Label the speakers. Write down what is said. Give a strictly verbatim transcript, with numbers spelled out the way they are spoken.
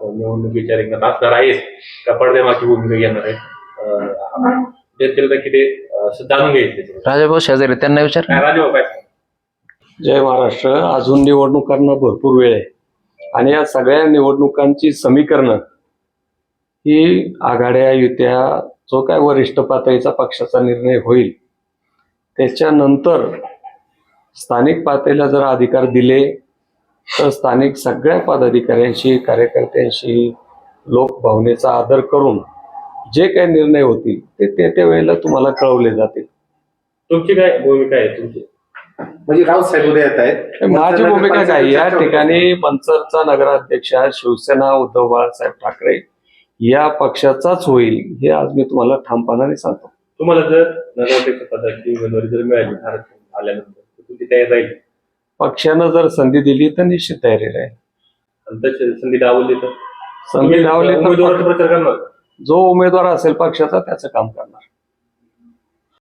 Speaker 1: निवडणुकीच्या रिंगणात असणार आहेत का पडद्यामागची भूमिका घेणार आहेत जनतेला किती जाणून घ्यायचे.
Speaker 2: राजाभाऊ शेजारी त्यांना विचार.
Speaker 1: राजाभाऊ काय?
Speaker 3: जय महाराष्ट्र. अजून निवडणुकांना भरपूर वेळ आहे आणि या सगळ्या निवडणुकांची समीकरणं ही आघाड्या युत्या जो काय वरिष्ठ पातळीचा पक्षाचा निर्णय होईल त्याच्यानंतर स्थानिक पातळीला जर अधिकार दिले तर स्थानिक सगळ्या पदाधिकाऱ्यांशी कार्यकर्त्यांशी लोकभावनेचा आदर करून जे काही निर्णय होतील ते त्या त्या वेळेला तुम्हाला कळवले जातील.
Speaker 1: तुमची काय भूमिका आहे तुमची?
Speaker 4: म्हणजे रावसाहेब उद्या येत आहेत.
Speaker 3: माझी भूमिका काय, या ठिकाणी मनसरचा नगराध्यक्ष शिवसेना उद्धव बाळासाहेब ठाकरे या पक्षाचाच होईल हे आज मी तुम्हाला ठामपणाने सांगतो.
Speaker 1: तुम्हाला जर नगराध्यक्ष पदाची उमेदवारी जर मिळाली भारत आल्यानंतर तुमची तयारी राहील?
Speaker 3: पक्षानं जर संधी दिली तर निश्चित तयारी राहील.
Speaker 1: आणि तशी संधी डावली तर
Speaker 3: संधी डावली तर
Speaker 1: उमेदवाराचा प्रचार करणार?
Speaker 3: जो उमेदवार असेल पक्षाचा त्याचं काम करणार.